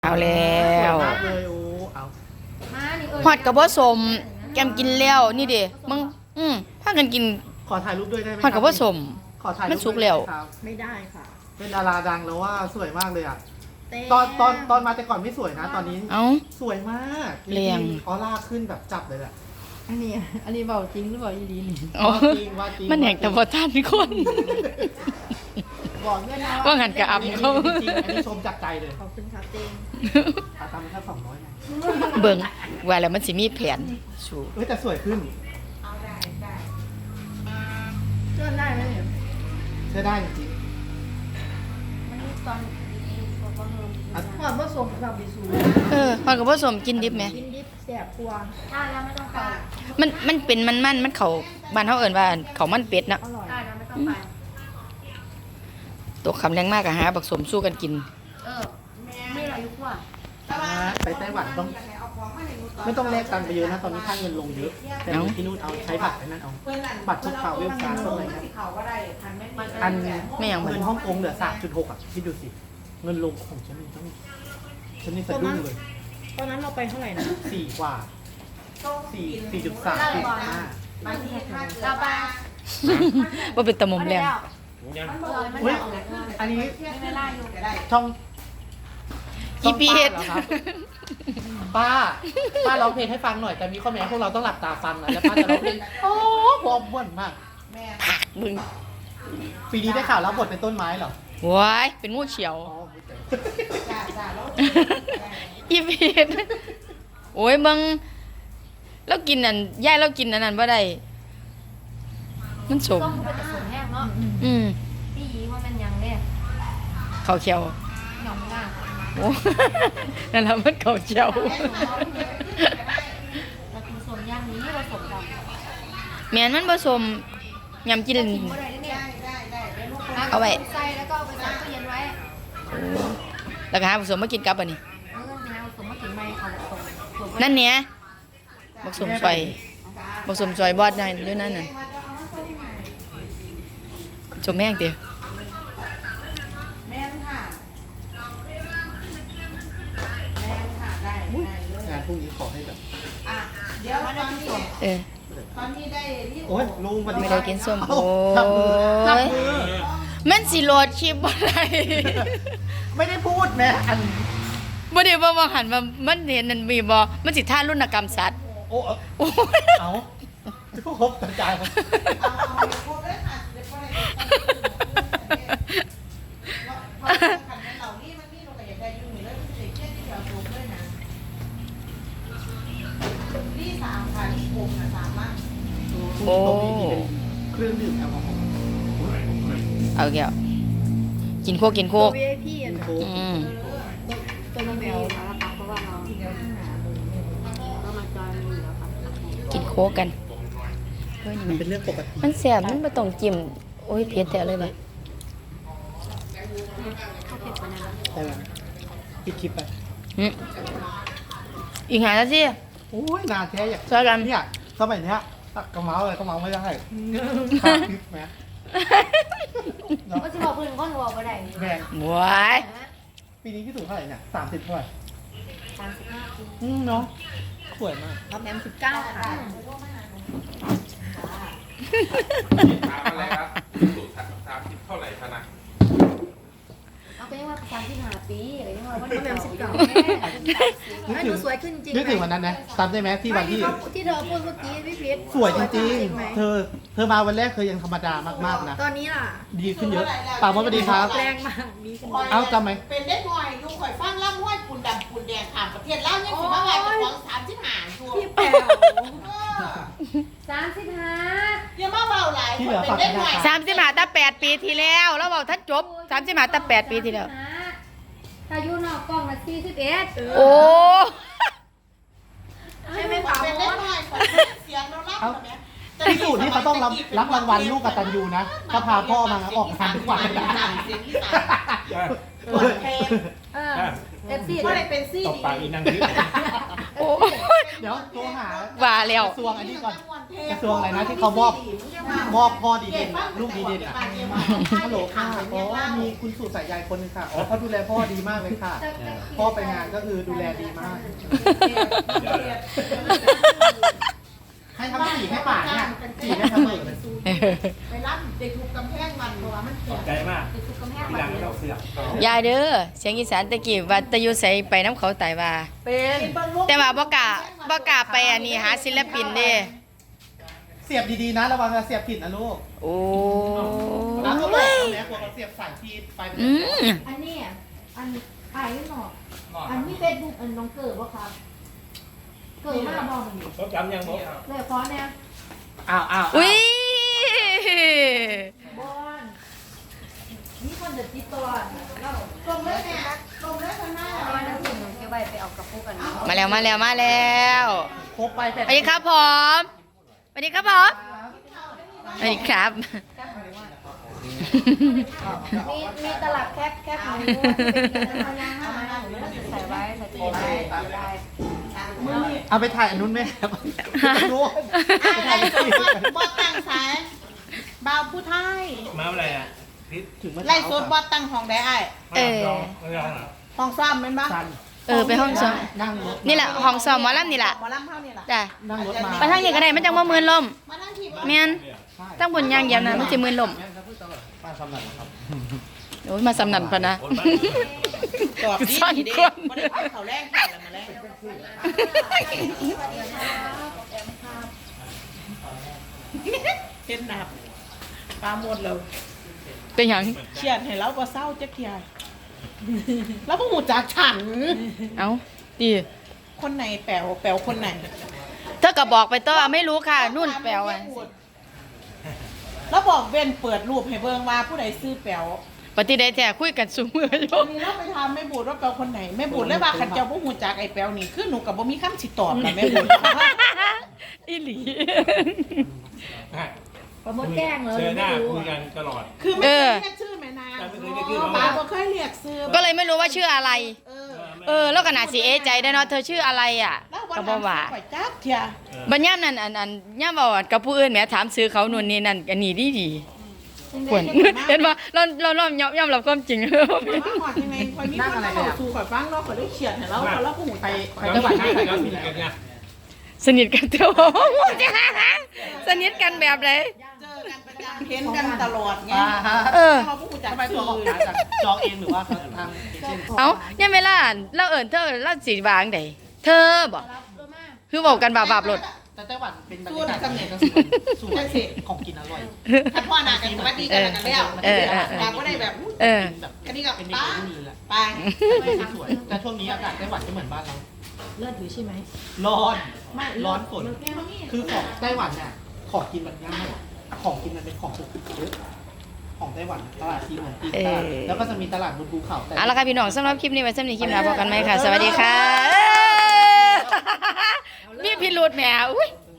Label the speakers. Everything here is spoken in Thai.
Speaker 1: เอาแล้ว
Speaker 2: เลยโอ้เอา
Speaker 1: ฮอดกับบ่สมแกมกินแล้วนี่เด้มึงพากันกิน
Speaker 2: ขอถ่ายรูปด้วยได้ไหม
Speaker 1: ฮอดกับบ่สม
Speaker 2: ขอถ่ายรูป
Speaker 1: มันสุกแล้ว
Speaker 3: ไม่ได้ค่ะ
Speaker 2: เป็นดาราดังแล้วว่าสวยมากเลยอ่ะตอนมาแต่ก่อนไม่สวยนะ ตอนนี้
Speaker 1: เอ้า
Speaker 2: สวยมาก
Speaker 1: เรียง
Speaker 2: ออร่าขึ้นแบบจับเลยแหละ
Speaker 3: อันนี้เบาจริงหรือเปล่าอีดีนี่
Speaker 1: อ๋อ
Speaker 2: ว่าจริง
Speaker 1: มันแหกแต่บ่ทันคน
Speaker 3: บอกด้วยนะ
Speaker 1: ว่างั้นก็อำเขา
Speaker 2: จริงๆอันนี้ชมจากใจเลย
Speaker 3: ขอบคุณครับเจง
Speaker 2: ขาตามมันแค่200นะ
Speaker 1: เบิ่งว่าแล้วมันสิมีแผนสู้
Speaker 2: แต่สวยขึ้น
Speaker 3: เชื่อได้ไหมเนี่ย
Speaker 2: ใช้ได้จริง
Speaker 3: หอดผสมกับบิสู
Speaker 1: ฮอดกับบ่สมกินดิบแหม
Speaker 3: กินดิบแสบกลัว
Speaker 4: ได้แล้วไม่ต้องไป
Speaker 1: มันเป็นมันเข้าบ้านเฮาเอิ้นว่าเขามันเป็ดนะ
Speaker 3: อร่อย
Speaker 4: ได้แล้วไม่ต้องไป
Speaker 1: ตกคำแรงมากก็หาบักสมสู้กันกิน
Speaker 4: ไม่เรายุกว่า
Speaker 2: ไปไต้หวันต้องไม่ต้องแลกตังค์ไปเยอะนะตอนนี้ค่าเงินลงเยอะ แต่ที่นู่นเอาใช้บัตรไปนั่นเอาบัตรพวกข่าวเว็บการ์ดอะไรเงี้ยอัน
Speaker 1: ไม่อย่างมัน
Speaker 2: เงินฮ่องกงเหลือ 3.6 อ่ะคิดดูสิ เงินลงของฉันนี่ต้องฉันนี่สะดุ้งเลย
Speaker 3: ตอนนั้นเราไปเท่าไหร่นะ
Speaker 2: 4 กว่า 4.3
Speaker 4: เราไป
Speaker 1: บ่เป็นตะมุมแล้ว
Speaker 2: เฮ้ยอันนี้
Speaker 4: ไม่ได้อยู่
Speaker 2: ช่อง
Speaker 1: อีพีเฮ็ด
Speaker 2: ช่องป้าเหรอครับป้าร้องเพลงให้ฟังหน่อยแต่มีข้อแม้พวกเราต้องหลับตาฟังนะแล้วป้าจะร้องเพลงโอ้พอม่วนมาก
Speaker 1: มึง
Speaker 2: ปีนี้ได้ข่าวรับบทเป็นต้นไม้เหรอ
Speaker 1: ว้ายเป็นงูเขียว
Speaker 2: อ๋อ
Speaker 1: อีพีดโอ้ยมึงแล้วกินอันย่ายเรากินอันนั้นบ่ได้มันสม
Speaker 4: ต้องไปแต่สวนแห้งเนาะ พี่ยีว่ามันยังเนี่ย
Speaker 1: เขาเขียว
Speaker 4: หย่อมง่า
Speaker 1: โอ้ นั่นแหละมันเขาเขียว
Speaker 4: แต่คือสวนย่างนี้ผสมกับ
Speaker 1: แม่นมันผสมยำกิน
Speaker 4: กินก็ได้เนี่ย
Speaker 1: เอาไว้
Speaker 4: ใส่แล้วก็เอาไปใส่ตู้เย็นไว้
Speaker 1: แล้วก็หาผสมมากินกับอันนี้
Speaker 4: แล้วก็น้ำผสมมากินไม่เอาผสม
Speaker 1: นั่นเนี้ยผสมซอยผสมซอยบอดได้ด้วยนั่นน่ะชมแม่งเตียว
Speaker 2: งานพรุ่งนี้ขอให้แบบ
Speaker 4: เดี๋ยวมาได้ที่สวน
Speaker 1: เออ
Speaker 2: โอ้ยลุงสวัสดี
Speaker 1: ไม่
Speaker 2: ครั
Speaker 1: ได้
Speaker 2: บ
Speaker 1: กินส้ม
Speaker 2: เอ้า
Speaker 1: โอ้
Speaker 2: จับมือจับ
Speaker 1: ย
Speaker 2: มือ
Speaker 1: มันสิโหลดคลิปบ่ได้
Speaker 2: ไม่ได้พูดนะอัน
Speaker 1: บ่ได้ว่าหันมามันเห็นนั่นมีบ่มันสิท่ารุณกรรมสัตว์
Speaker 2: โอ้
Speaker 1: โอ้ย
Speaker 2: เอาจะพวกครบกระจายครับ
Speaker 1: โอ้
Speaker 2: เครื่องดื่มแอลกอฮอล์
Speaker 1: เอาแก้วกินโคกกินโค
Speaker 3: ตัว
Speaker 1: ก
Speaker 3: VIP อ่ะ
Speaker 2: โค้ก
Speaker 3: ตัวน้องแมว
Speaker 4: เพราะว่าเรามาจอยมือแล้วครับ
Speaker 1: กินโคกกันเฮ้ย
Speaker 2: มัน
Speaker 1: นี่
Speaker 2: เป็นเรื่องปกติ
Speaker 1: มันแสบมันบ่ต้องจิ้มโอ้ยเผ็ดแต่เลยบ่
Speaker 2: ใช่ไหมปิดคลิปไป
Speaker 1: อีกหานาที
Speaker 2: โอ้ยนานแท้อยาก
Speaker 1: ช่วยกัน
Speaker 2: เนี่ยสมัยเนี้ยกระเมาอะไรก็เมาไม่ได้คลิปไหม
Speaker 4: ก็จะบอกคนอื่นก็หนูบอกไปได้
Speaker 2: แบง
Speaker 1: ว้าย
Speaker 2: ปีนี้ที่สูงเท่าไหร่เนี่ย30เท่าไหร่
Speaker 4: 35 ปี
Speaker 2: เนาะสวยมาก
Speaker 3: รับแอม19ค่ะ
Speaker 5: ถามอะไรครับสูตร30เท่าไหร่คะนะ
Speaker 4: เอาไปเรียกว่า35 ปีอะไรเงี้ยว่า
Speaker 3: รับแอม19
Speaker 2: นึก
Speaker 3: ให้
Speaker 2: ถึ
Speaker 3: ดู
Speaker 2: ง
Speaker 3: สวยขึ้นจริง
Speaker 2: นึกถึงวันนั้นนะจำได้ไหมที่วันที่
Speaker 3: ที่เธอพูดเมื่อกี้พี่พีท
Speaker 2: สวยจริง
Speaker 3: ไหม
Speaker 2: ๆ เธอมาวันแรกเธอยังธรรมดามากๆนะ
Speaker 3: ตอนนี้ล่ะ
Speaker 2: ดีขึ้นเยอะป่าวมดสวัสดีครับ
Speaker 3: แรงมากดีขึ้น
Speaker 2: เอ้าจำไหม
Speaker 6: เป็นได้หน่อยลูกข่อยฟังล่ำห้วยปุ่นดำปุ่นแดงขามประเทศเล่าเนี่ยสิมาว่าจะของ35ชัว
Speaker 3: พี่แป๋ว
Speaker 4: 35
Speaker 6: อย่ามาเบาหลาย
Speaker 2: ที่
Speaker 6: ค
Speaker 2: เหลื
Speaker 6: น
Speaker 2: อ
Speaker 6: เป็น
Speaker 2: ฝาก
Speaker 6: ได้
Speaker 2: ธ
Speaker 6: หน่
Speaker 2: นา
Speaker 6: อย
Speaker 2: คาร
Speaker 1: 35ตั้ง8 ปีที่แล้วแล้วบอกท่านจบ35ตั้ง8 ปีที่แล้ว
Speaker 4: ถ้าอยู่นอกกล้องนะ41
Speaker 1: โอ้
Speaker 3: ใช่ไหมป๋า
Speaker 6: เป็น
Speaker 3: ม
Speaker 6: ได้
Speaker 3: ด
Speaker 6: หน่อยข่อยเสียงเรารับแบบนี้
Speaker 2: ที่สูตรนี่เขาต้องรับรางวัลลูกกตัญญูนะ ถ้าพาพ่อมาออกงานทุกวันเลยนะ
Speaker 6: เสียงที่สามตัวเพลง
Speaker 4: เออ FC
Speaker 6: ก็เลยเป็นซี่
Speaker 5: ตบปากอีนังที่
Speaker 1: โอ้
Speaker 2: เดี๋ยวโทรหา
Speaker 1: ว่าแล้ว
Speaker 2: กระทรวงอันนี้ก่อน กระทรวงอะไรนะที่เขามอบพ่อดีเด่นลูกดีเด่นอ่ะฮัลโหลค่ะอ๋อมีคุณสู่สายใยคนหนึงค่ะอ๋อเขาดูแลพ่อดีมากเลยค่ะ พ่อไปงานก็คือดูแลดีมาก ให้ทำสีให้ป่าเนี่ยสีให้ทำเลย
Speaker 6: ไปรับเด็กถูกกำแพงมันเพราะว่ามันแข็ง
Speaker 7: ใจมาก
Speaker 6: เด็กถูกกำแพง
Speaker 7: ที
Speaker 6: มั
Speaker 7: หลั
Speaker 6: น
Speaker 7: งเราเสือก
Speaker 1: ยายเด้อเสียงอีสานตะกี้ว่าแตะอยู่ไสไปน้ำเขาตายว่า
Speaker 2: เป็น
Speaker 1: แต่ว่าบ่กล้าไปอันนี้หาศิลปินเด้
Speaker 2: เสียบดีๆนะระวังจะเสียบผิดนะลูก
Speaker 1: โอ้
Speaker 2: แล้วก็บอกแม่กลัวเราเสียบสายที่ไฟมัน
Speaker 1: อืม
Speaker 3: อันนี้อันไอ้หนออันนี้เฟซบุ๊กอันน้องเกิดบ่ครับเกิดมาบอกมัน
Speaker 7: เขาจำยังบอก
Speaker 3: เลยขอเนี่ย
Speaker 2: อ้าว
Speaker 1: อุ้ย
Speaker 3: บอนนี่คนเด็ดติดตัวเรา
Speaker 6: ตรงเลยแม่ตรงเลยคนหน้า
Speaker 4: เอาน้ำผึ้งหนูเก็บไว้ไปเอากระปุกกัน
Speaker 1: มาแล้ว
Speaker 2: ครบไป
Speaker 1: สวัสดีครับผมสวัสดีครับผมสวัสดีครับ
Speaker 3: มีตลับแคบหนูเป็นพยางห้า
Speaker 4: ใส่ไว้ใส่ตู้ไว้ได้
Speaker 2: เอาไปถ่ายอันนู้นไหมครับนู้น
Speaker 6: ไอ้สมบัติบอตั้งสายบ่าวผู้ไทย
Speaker 7: มาอะไรอ่ะพิษ
Speaker 2: ถึงเมื่อ
Speaker 6: ไล่
Speaker 2: เช้า
Speaker 6: สดบอตั้งห้องได้ไอ้
Speaker 7: ไม่ร้องไม่ร้องอ่ะ
Speaker 6: ห้องซ้อมเป็นปะ
Speaker 2: สั้น
Speaker 1: ไปห้องซ้อม
Speaker 2: นั่งรถ
Speaker 1: นี่แหละห้องซ้อมหมอลำนี่แหละ
Speaker 6: หมอลำเข้านี่แหละ
Speaker 1: จ้ะ
Speaker 2: นั่งรถมา
Speaker 1: ไปทางนี้ก็ได้มันจังบ่มืนลม
Speaker 6: มานั่งที่
Speaker 1: แม่นตั้งบนยางเหยียบนะมันสิมืนลม
Speaker 2: มาสำนักครับ
Speaker 1: โอ้ยมาสำนันพะนะ
Speaker 7: คนบ้าน
Speaker 6: ตอบดี
Speaker 1: ซ่อน
Speaker 6: ดี
Speaker 1: คน
Speaker 6: บ่ได้เอาเขาแรกเขาแล้วมาแรกเห็นหนับปลาหมดแล้ว
Speaker 1: เป็นหยัง
Speaker 6: เขียนให้เราก็เศร้าจักเทียแล้วพวกหมูจากฉัน
Speaker 1: เอ้าดี
Speaker 6: คนไหนแปลวคนไหน
Speaker 1: เธอก็บอกไปต่อไม่รู้ค่ะ นุ่นแปลว่า
Speaker 6: แล้วบอกเว้นเปิดรูปให้เบิ่งว่าผู้ใดซื้อแปลว
Speaker 1: ปฏิได้แท้คุยกันสูมืออยู่
Speaker 6: วันนี้เราไปทำแม่บูดว่าแปลวคนไหนแม่บูดเลยว่าขันเจ้าพวกหมูจากไอ้แปลวนี่คือหนูกับบ่มีคำสิตอบนะแม่บูด
Speaker 1: อีหลี
Speaker 3: ประมดแกล้งเลย
Speaker 7: เจอห
Speaker 3: ไม่
Speaker 7: น้า
Speaker 3: รู้
Speaker 7: คุยกันตลอด
Speaker 6: คือไม่เคยเรียกชื่อแม่นาง
Speaker 7: ไม่เคยเรียกชื่อ
Speaker 6: ป้าบ่เคยเรียกซื้อ
Speaker 1: ก็เลยไม่รู้ว่าชื่ออะไร
Speaker 6: เออ
Speaker 1: แล้วก็น่าสิเอะใจได้เนาะเธอชื่ออะไรอ่ะ
Speaker 6: แล้ววัน
Speaker 1: ก็
Speaker 6: นั้
Speaker 1: บ่
Speaker 6: น
Speaker 1: ว่า
Speaker 6: ไปจักเทีย
Speaker 1: บัดย่ามนั้นอันย่ามเว้าอะกับผู้อื่นแหมถามซื้อเขานู่นนี่นั่นอันนี้ดีควรเห็นบ่เรายอมรับความจริง
Speaker 6: มาหอดยังไงคอยมีคนมาบอกสู่ข่อยฟังเราข่อยได้เขียนให้เราแล้วพวกหมู
Speaker 2: ไป
Speaker 6: จาก
Speaker 2: ไป
Speaker 7: ไป
Speaker 2: จังหวัด
Speaker 7: จังหวัด
Speaker 2: ไหน
Speaker 7: ไหน
Speaker 2: ค
Speaker 7: ค
Speaker 2: รั
Speaker 7: รั
Speaker 2: บบ
Speaker 7: สนิทกันเนี่ย
Speaker 1: สนิทกันเถอะสนิทกันแบบไหน
Speaker 6: เจอกันประจำเห็นกันตลอดไง
Speaker 1: เออ
Speaker 6: เราพวกหมูจาก
Speaker 2: ทำไม
Speaker 6: ซื้
Speaker 2: ตัว
Speaker 6: อ
Speaker 2: ออกมาจากจองเองหรือว่าทางเอเจนต์
Speaker 1: เอ้าเนี่ยเวลาเราเอิ้นเธอเราสิวางไดเธอบ่คือบอกกันบาปๆรถ
Speaker 2: แต่ไต้หวันเป็นบรรยากาศเกษตรสวยของกินอร่อย
Speaker 6: ถ้าพ่อหนากันสวัสดีกันกันแล้วเราก็ได้แบบ
Speaker 1: เออ
Speaker 2: แบบ
Speaker 6: กันนี่ก็
Speaker 2: เป็น
Speaker 6: ป้า
Speaker 2: เมนูเลยแหละ
Speaker 6: ไป
Speaker 2: สวยแต่ช่วงนี้อากาศไต้หวันก็เหมือนบ้านเรา
Speaker 3: เลือดอยู่ใช่ไหม
Speaker 2: ร้อนร้อนฝนคือของไต้หวันเนี่ยของกินมันง่ายของกินมันเป็นของสุกเยอะของไต้หวันตลาดซีเหมือนตีนตลาดแล้วก็จะมีตลาดบนภูเขาแต่
Speaker 1: เอาละค่ะพี่น้องสำหรับคลิปนี้ไว้สำหรับคลิปหน้าพบกันไหมค่ะ สวัสดีค่ะ มีพิรุธแหมอุ้ย